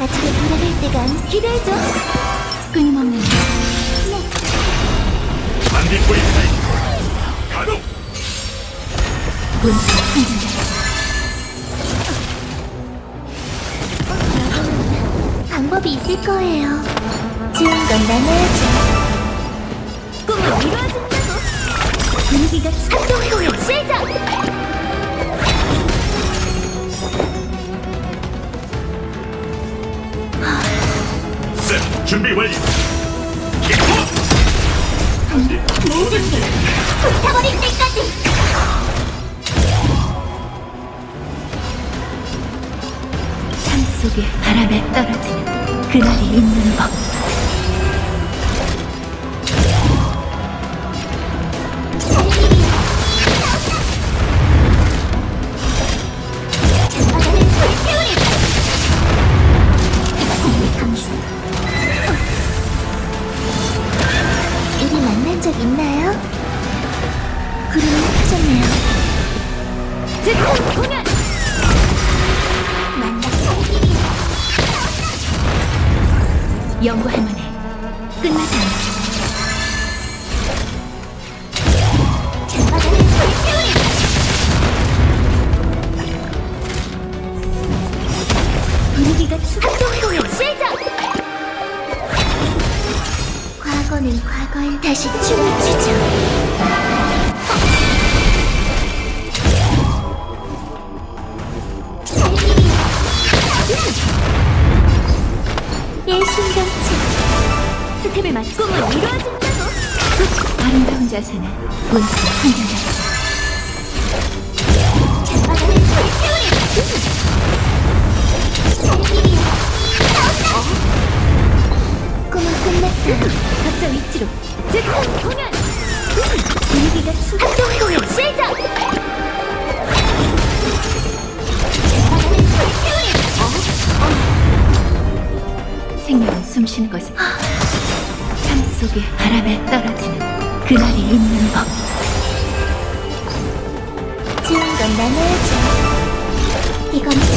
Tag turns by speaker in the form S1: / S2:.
S1: 집에 돌아갈 때가 기대해줘. 끊임없는 네.
S2: 반딧불이 타임 가동.
S1: 문제 한결 방법이 있을 거예요. 좋은 건 나눠야죠. 꿈을 이루어진다고. 분위기가 합동 공연 시작.
S2: 셋 준비 완료.
S1: 모든 게 불타버릴 때까지.
S3: 삶 속에 바람에 떨어지는 그날이 있는 법.
S1: 바다를 불태우리. 우리 만난 적 있나요? 구름이 흩어졌네요. 즉흥 공연. 만나 살길이야.
S3: 연구할 만해. 끝나지 않아.
S1: 바다를 불태우리. 분위기가 합동 공연 시작. 과거는 과거에 다시 춤을 추죠. 살길이야. 일심동체.
S3: 스텝을 맞춰
S1: 꿈은 이루어진다고.
S3: 아름다운 자세는 문제 한결같이.
S1: 바다를 불태우리. 살길이야. 꿈은 끝났어.
S3: 각자 위치로.
S1: 즉흥 공연. 분위기가 합동 공연 시작. 바다를 불태우리.
S3: 생명은 숨쉬는 것은 삶 속에 바람에 떨어지는 그날이 있는 법.
S1: 좋은 건 나눠야죠. 이건